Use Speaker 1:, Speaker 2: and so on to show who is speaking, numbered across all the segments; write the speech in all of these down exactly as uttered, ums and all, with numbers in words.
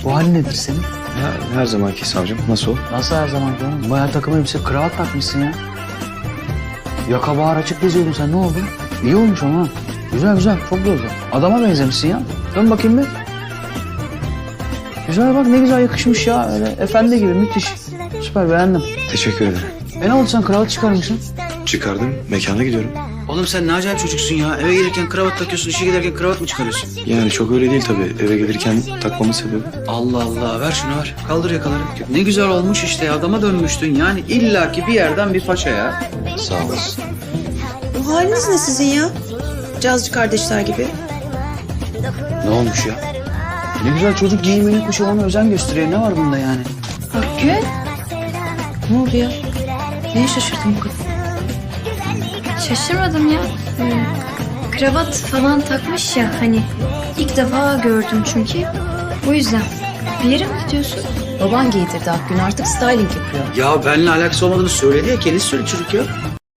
Speaker 1: Bu hal nedir senin?
Speaker 2: Ya, her zamanki savcım. Nasıl o?
Speaker 1: Nasıl her zaman canım? Bayağı takım elbise kravat takmışsın ya. Yaka bağır açık geziyordun sen, ne oldu? İyi olmuş ama. Güzel güzel, çok güzel. Adama benzemişsin ya. Dön bakayım bir. Güzel bak, ne güzel yakışmış ya. Öyle efendi gibi, müthiş. Süper, beğendim.
Speaker 2: Teşekkür ederim.
Speaker 1: E ne oldu, sen kravat çıkarmışsın?
Speaker 2: Çıkardım. Mekana gidiyorum.
Speaker 1: Oğlum sen ne acayip çocuksun ya. Eve gelirken kravat takıyorsun, işe giderken kravat mı çıkarıyorsun?
Speaker 2: Yani çok öyle değil tabii. Eve gelirken takmamın sebebi.
Speaker 1: Allah Allah, ver şunu ver. Kaldır yakaları. Ne güzel olmuş işte, adama dönmüştün. Yani illaki bir yerden bir paça ya.
Speaker 2: Sağ olasın.
Speaker 3: Bu haliniz ne sizin ya? Cazcı kardeşler gibi.
Speaker 1: Ne olmuş ya? Ne güzel çocuk giyimini, kuşamına özen gösteriyor. Ne var bunda yani?
Speaker 3: Hakkı. Ne oldu ya? Neye şaşırdın bu kadar?
Speaker 4: Şaşırmadım ya. Hmm, kravat falan takmış ya hani. İlk defa gördüm çünkü. O yüzden. Bir yere mi gidiyorsun?
Speaker 3: Baban giydirdi Akgün, artık styling yapıyor.
Speaker 1: Ya benimle alakası olmadığını söyledi ya. Kendisi söyledi çocuk ya.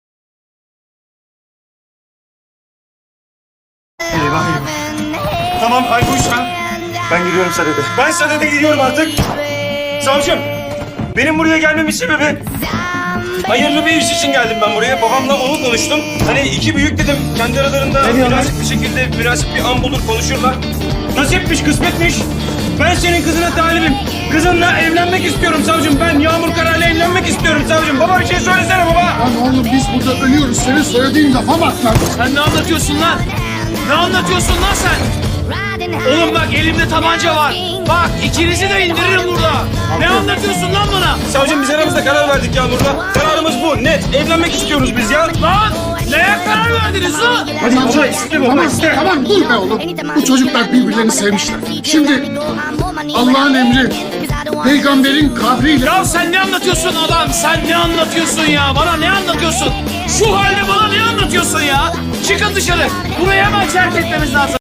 Speaker 5: Tamam Aykuş sen. Ben gidiyorum Sadede. Ben Sadede gidiyorum artık. Savcım, benim buraya gelmemin sebebi... Hayırlı bir iş için geldim ben buraya. Babamla onu konuştum. Hani iki büyük dedim. Kendi aralarında münasip bir şekilde münasip bir an bulur konuşurlar. Nasipmiş, kısmetmiş. Ben senin kızına talibim. Kızınla evlenmek istiyorum savcım. Ben Yağmur Kara'yla evlenmek istiyorum savcım. Baba bir şey söylesene baba.
Speaker 6: Lan oğlum biz burada ölüyoruz. Senin söylediğin lafa bak lan.
Speaker 7: Sen ne anlatıyorsun lan? Ne anlatıyorsun lan sen? Oğlum bak elimde tabanca var. Bak ikinizi de indiririm burada. Ne anlatıyorsun lan bana?
Speaker 5: Savcım biz aramızda karar verdik Yağmur'la. Kararımız bu. Net. Evlenmek istiyoruz biz ya.
Speaker 7: Lan neye karar verdiniz lan?
Speaker 5: Hadi baba iste baba
Speaker 6: Tamam,
Speaker 5: iste.
Speaker 6: tamam dur be oğlum. Bu çocuklar birbirlerini sevmişler. Şimdi Allah'ın emri, peygamberin kabriyle...
Speaker 7: Ya sen ne anlatıyorsun adam? Sen ne anlatıyorsun ya? Bana ne anlatıyorsun? Şu halde bana ne anlatıyorsun ya? Çıkın dışarı. Burayı hemen terk etmemiz lazım.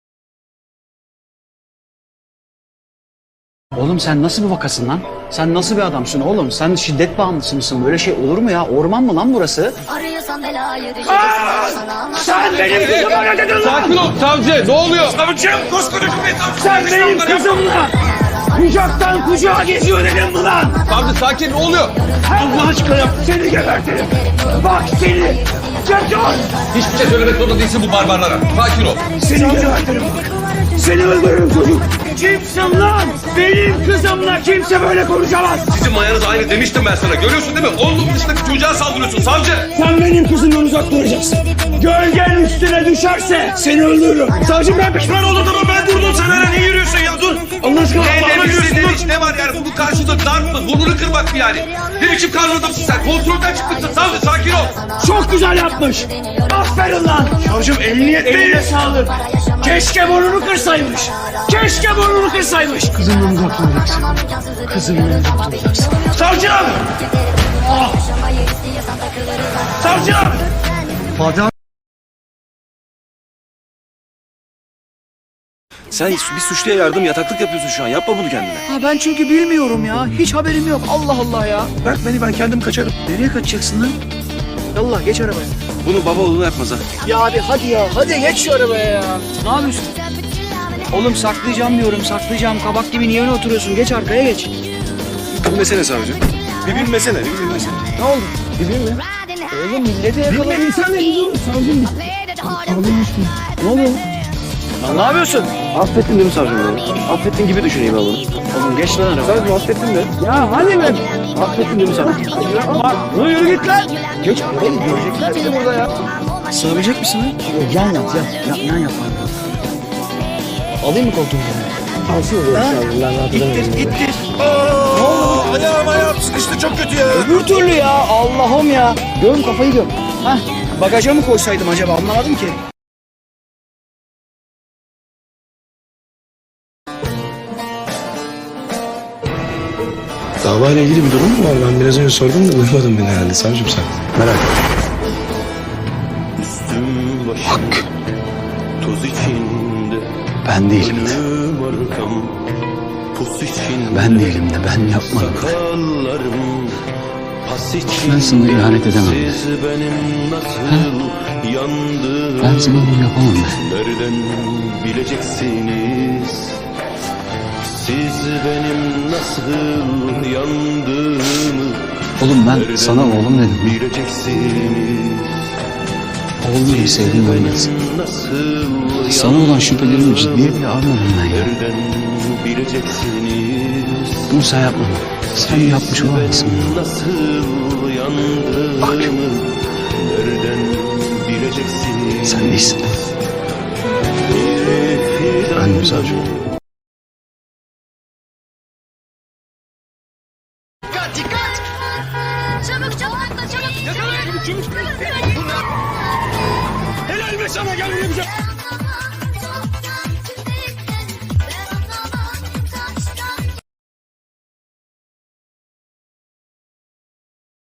Speaker 1: Oğlum sen nasıl bir vakasın lan? Sen nasıl bir adamsın oğlum? Sen şiddet bağımlısı mısın? Böyle şey olur mu ya? Orman mı lan burası?
Speaker 7: Sen benim kızıma ne dedin lan?
Speaker 5: Sakin ol savcı. Ne oluyor? Savcım koskoca cumhuriyet savcısı.
Speaker 7: Sen benim kızımla kucaktan kucağa geziyor dedim mi lan?
Speaker 5: Savcı sakin ne oluyor?
Speaker 7: Allah aşkına seni gebertirim. Bak seni. Çakal.
Speaker 5: Hiçbir şey söylemek zorunda değilsin bu barbarlara. Sakin ol.
Speaker 7: Seni gebertirim bak. Seni öldürürüm çocuk. Kimsin lan? Benim kızımla kimse böyle konuşamaz.
Speaker 5: Sizin mayanız aynı demiştim ben sana. Görüyorsun değil mi? On numarasındaki çocuğa saldırıyorsun savcı.
Speaker 7: Sen benim kızımdan uzak duracaksın. Gölgen üstüne düşerse seni öldürürüm. Savcım ben pişman oldum ama ben durdum. Sen hala ne yürüyorsun ya? Dur. Allah aşkına Allah'ıma yürüyorsun.
Speaker 5: Ne, ne var yani? Bunun karşında darp mı? Burnunu kırmak mı yani? Ne biçim karnı adamsın sen? Kontrolden çıkmışsın savcı. Sakin ol.
Speaker 7: Çok güzel yapmış. Aferin lan. Savcım emniyet eline sağlık. Keşke burnunu kırsaymış. Keşke burnunu kırsaymış.
Speaker 6: Kızımdan uzak duracaksın. Kızımdan uzak duracaksın.
Speaker 7: Savcım. Ah. Savcım.
Speaker 2: Sen bir suçluya yardım yataklık yapıyorsun şu an. Yapma bunu kendine.
Speaker 1: Ha ben çünkü bilmiyorum ya. Hiç haberim yok. Allah Allah ya.
Speaker 2: Bırak beni ben kendim kaçarım.
Speaker 1: Nereye kaçacaksın lan? Yallah geç arabaya.
Speaker 2: Bunu baba oğluna yapmaz ha.
Speaker 1: Ya abi hadi ya. Hadi geç şu arabaya ya. Ne yapıyorsun? Oğlum saklayacağım diyorum, saklayacağım. Kabak gibi niye öyle oturuyorsun? Geç arkaya geç.
Speaker 2: Bilmesene savcı. Bir bilmesene, bir bilmesene.
Speaker 1: Ne oldu? Bileyim mi? Oğlum millete yakaladın. Sen de gidiyorsun. Savcım. Ne oluyor? Lan ne yapıyorsun?
Speaker 2: Affettin değil mi savcım beni? Affettin gibi düşüneyim ben bunu.
Speaker 1: Oğlum geç lan arabaya.
Speaker 2: Savcım affettin de.
Speaker 1: Ya hadi be.
Speaker 2: Affettin değil mi savcım?
Speaker 1: Lan yürü git lan. Geç oğlum görecekler beni burada ya. Sığabilecek misin lan? Yan yat yan. Yan, yan yat. Alayım mı koltuğunu? Alsın ya. İttir ittir.
Speaker 5: Aa, ayağım ayağım sıkıştı çok kötü ya.
Speaker 1: Öbür türlü ya Allah'ım ya. Göm kafayı göm. Hah bagaja mı koysaydım acaba anlamadım ki.
Speaker 2: Davayla ilgili bir durum mu var? Ben biraz önce sordum da duymadın beni herhalde savcım sen. Merak etme. Hak.
Speaker 8: Toz içinde
Speaker 1: Ben değilim de.
Speaker 8: arkam, pus içinde
Speaker 1: Ben değilim de ben yapmadım de.
Speaker 8: sakallarım, pas içinde
Speaker 1: Ben sana ihanet edemem de.
Speaker 8: siz benim nasıl yandığımı
Speaker 1: Ben sana bunu yapamam de.
Speaker 8: nereden bileceksiniz? Siz benim nasıl yandığımı
Speaker 1: Oğlum ben sana oğlum dedim.
Speaker 8: bileceksiniz.
Speaker 1: Oğlum gibi sevdim ben de.
Speaker 8: Nasıl
Speaker 1: Sana olan şüphelerimi ciddiye bile almadım ben ya.
Speaker 8: nereden bileceksiniz?
Speaker 1: Bunu sen yapmadın. Sen yapmış olamazsın.
Speaker 8: Nasıl yandığımı nereden bileceksiniz?
Speaker 1: Sen değilsin. Ben savcım.
Speaker 3: Çabuk çabuk atla çabuk.
Speaker 7: Helal be sana, gel buraya bir şey.